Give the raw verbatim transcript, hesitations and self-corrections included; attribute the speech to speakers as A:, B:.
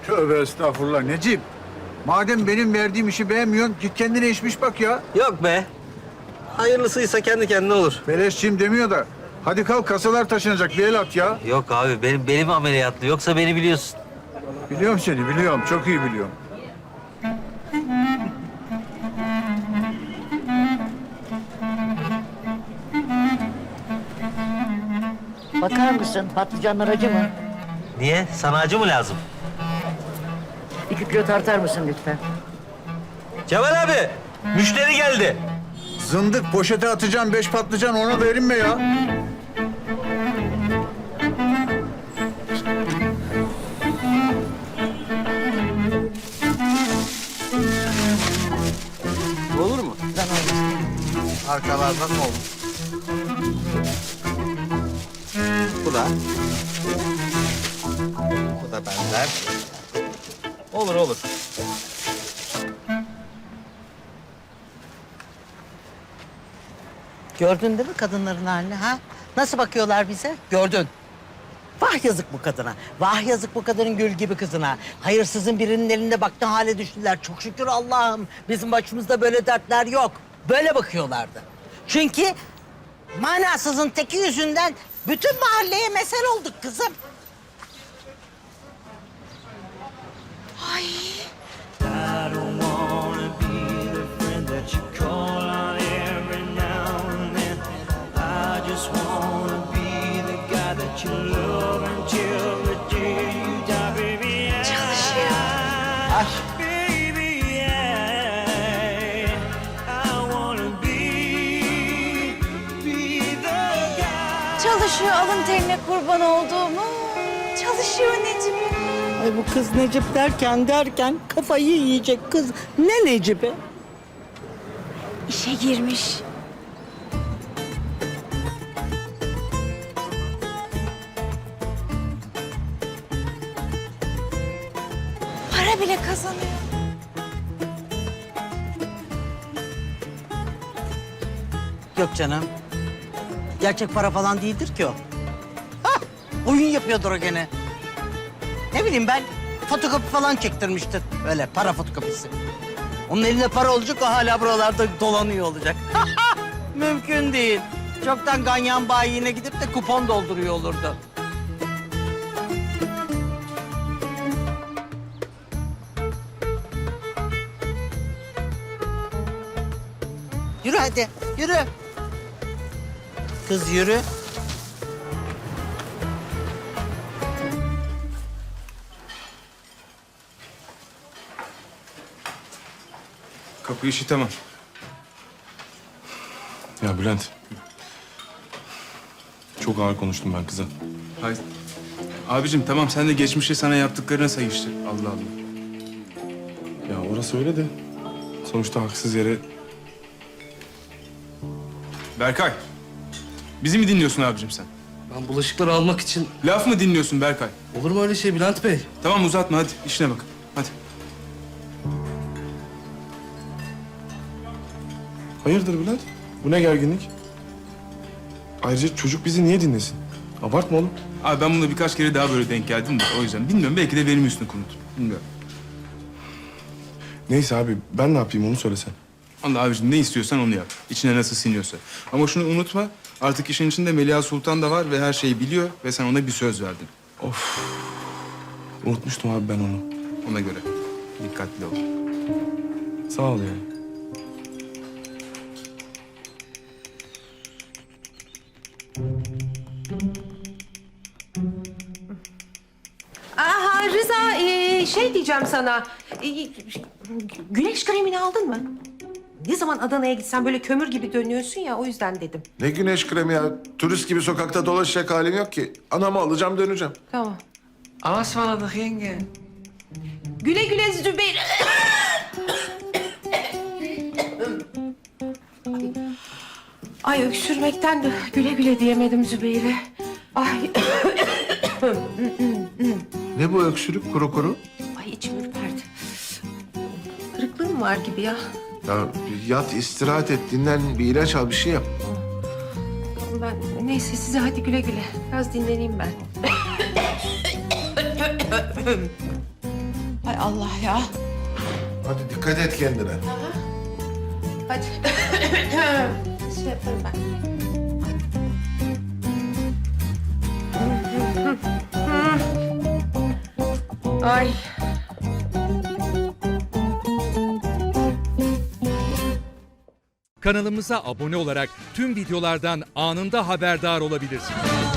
A: Tövbe estağfurullah Necip. Madem benim verdiğim işi beğenmiyorsun, git kendine işmiş bak ya.
B: Yok be. Hayırlısıysa kendi kendine olur.
A: Beleşçiyim demiyor da. Hadi kalk, kasalar taşınacak, bir el at ya.
B: Yok abi benim benim ameliyatlı. Yoksa beni biliyorsun.
A: Biliyorum seni, biliyorum. Çok iyi biliyorum.
C: Bakar mısın? Patlıcanlar acı mı?
B: Niye? Sana acı mı lazım?
C: İki kilo tartar mısın lütfen?
B: Cemal abi, müşteri geldi.
A: Zındık, poşete atacağım beş patlıcan, ona da erinme ya.
B: Olur mu? Arkalardan olur. Bu da. Bu da benden. Olur olur.
C: Gördün değil mi kadınların halini ha? Nasıl bakıyorlar bize? Gördün. Vah yazık bu kadına. Vah yazık bu kadının gül gibi kızına. Hayırsızın birinin elinde baktığın hale düştüler. Çok şükür Allah'ım. Bizim başımızda böyle dertler yok. Böyle bakıyorlardı. Çünkü manasızın teki yüzünden bütün mahalleye mesel olduk kızım. Ay.
D: I don't wanna be the friend that you call on every now and then. I just wanna be the guy that you love until the day you die, baby. I, baby, I, I wanna be, be the guy.
E: Çalışıyor alın terine kurban olduğumu. Çalışıyor Necip.
C: Ay bu kız Necip derken derken kafayı yiyecek kız. Ne Necip'i?
E: İşe girmiş. Para bile kazanıyor.
C: Yok canım. Gerçek para falan değildir ki o. Hah, oyun yapıyordur o gene. Ne bileyim ben, fotokopi falan çektirmiştir. Öyle para fotokopisi. Onun elinde para olacak, o hala buralarda dolanıyor olacak. Mümkün değil. Çoktan ganyan bayiine gidip de kupon dolduruyor olurdu. Yürü hadi, yürü. Kız yürü.
F: Kapı işi tamam. Ya Bülent. Çok ağır konuştum ben kıza.
G: Hayır. Abicim tamam sen de geçmişte sana yaptıklarına say işte. Allah Allah.
F: Ya orası öyle de sonuçta haksız yere...
G: Berkay. Bizi mi dinliyorsun abicim sen?
H: Ben bulaşıkları almak için...
G: Laf mı dinliyorsun Berkay?
H: Olur mu öyle şey Bülent Bey?
G: Tamam uzatma hadi işine bak. Hadi.
F: Hayırdır Bülent? Bu ne gerginlik? Ayrıca çocuk bizi niye dinlesin? Abartma oğlum.
G: Abi ben buna birkaç kere daha böyle denk geldim de o yüzden. Bilmiyorum belki de benim üstüne konut. Bilmiyorum.
F: Neyse abi ben ne yapayım onu söylesen.
G: Allah abicim ne istiyorsan onu yap. İçine nasıl siniyorsa. Ama şunu unutma. Artık işin içinde Melia Sultan da var ve her şeyi biliyor ve sen ona bir söz verdin.
F: Unutmuştum abi ben onu.
G: Ona göre. Dikkatli ol.
F: Sağ ol yani.
I: Aha Rıza, ee, şey diyeceğim sana. Ee, güneş kremini aldın mı? Ne zaman Adana'ya gitsen böyle kömür gibi dönüyorsun ya, o yüzden dedim.
J: Ne güneş kremi ya? Turist gibi sokakta dolaşacak halim yok ki. Anamı alacağım döneceğim.
I: Tamam.
H: Ama ısmarladık yenge.
I: Güle güle Zübeyir. Ay öksürmekten de güle güle diyemedim Zübeyir'e. Ay.
J: Ne bu öksürük kuru kuru?
I: Ay içim ürperdi. Kırıklığım var gibi ya.
J: Ya yat, istirahat et, dinlen, bir ilaç al, bir şey yap.
I: Ben neyse size hadi güle güle. Biraz dinleneyim ben.
E: Hay Allah ya.
J: Hadi dikkat et kendine.
I: Hadi. Şey yaparım ben. Ay.
K: Kanalımıza abone olarak tüm videolardan anında haberdar olabilirsiniz.